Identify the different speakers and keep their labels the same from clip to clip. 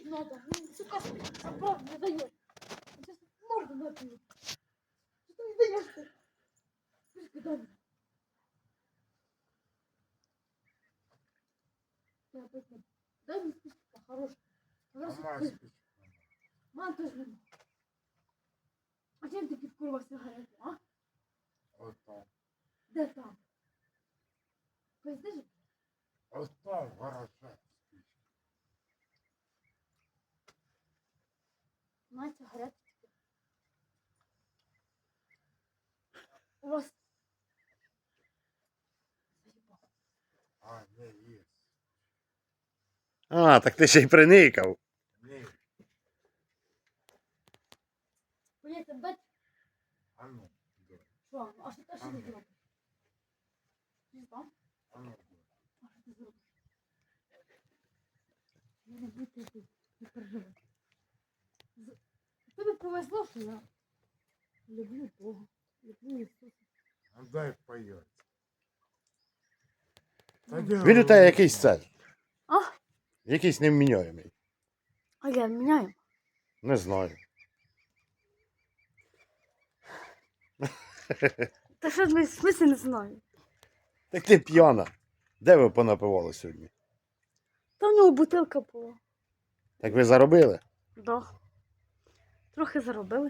Speaker 1: надо. Ну, сука, правда не даешь. Сейчас морду напью. Что ты не даешь ты? Слушай, дай мне. Я опять не- Дай мне спичка, хорошая.
Speaker 2: Сама спичка.
Speaker 1: Мам тоже не. А чем ты курва сигарету, а?
Speaker 2: Ось там.
Speaker 1: Де там? Поясни же?
Speaker 2: Ось там в гараже спичка.
Speaker 1: Мать сигарету. У вас...
Speaker 2: А, не, є.
Speaker 3: А, так ти ще й приникав.
Speaker 2: Ні.
Speaker 1: Поїдьте, дать?
Speaker 2: А ну, да.
Speaker 1: Що? А що ти
Speaker 2: Ага.
Speaker 1: зробиш? Не знаю.
Speaker 2: А ну, да.
Speaker 1: А що ти зробиш? Я не буду тут, не переживай. Тобі повезло, що я люблю Бога, люблю Ісуса.
Speaker 2: А дай поїсть.
Speaker 3: Він у тебе якийсь цей.
Speaker 1: А?
Speaker 3: Якийсь невміняємий.
Speaker 1: А я міняю.
Speaker 3: Не знаю.
Speaker 1: Та що в смислі не знаю?
Speaker 3: Так ти п'яна. Де ви понапивали сьогодні?
Speaker 1: Та в нього бутилка була.
Speaker 3: Так ви заробили?
Speaker 1: Да. Трохи заробили.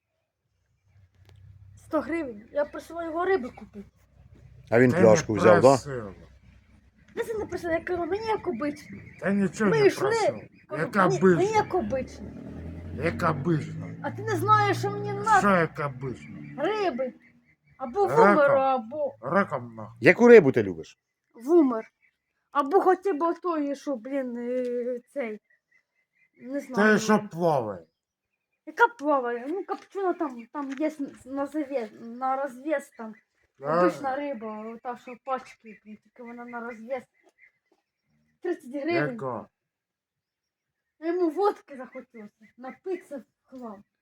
Speaker 1: 100 гривень. Я просила його риби купити.
Speaker 3: А він
Speaker 2: Ти
Speaker 3: пляшку
Speaker 2: не
Speaker 3: взяв, да?
Speaker 2: просила.
Speaker 1: Я це не просила, я кажу, мені як обично.
Speaker 2: Та нічого
Speaker 1: Ми
Speaker 2: не
Speaker 1: йшли.
Speaker 2: просив.
Speaker 1: Кажу,
Speaker 2: Як
Speaker 1: мені
Speaker 2: обично.
Speaker 1: як обично.
Speaker 2: Як обично.
Speaker 1: А ти не знаєш, що мені
Speaker 2: Що
Speaker 1: треба
Speaker 2: як обично?
Speaker 1: риби. Або
Speaker 2: Раком.
Speaker 1: вумеру, або
Speaker 2: Раком нахуй.
Speaker 3: Яку рибу ти любиш?
Speaker 1: вумер. Або хоча б той, що, блін, цей. Не знаю.
Speaker 2: Те, що плаває.
Speaker 1: Яка плаває? Ну, копчена там є на завес, на розвес там.
Speaker 2: Да?
Speaker 1: Обична риба, та, що пачки, блін, тільки вона на розвес. 30 гривень.
Speaker 2: Яка?
Speaker 1: А йому водки захотілося. Напитися в хлам.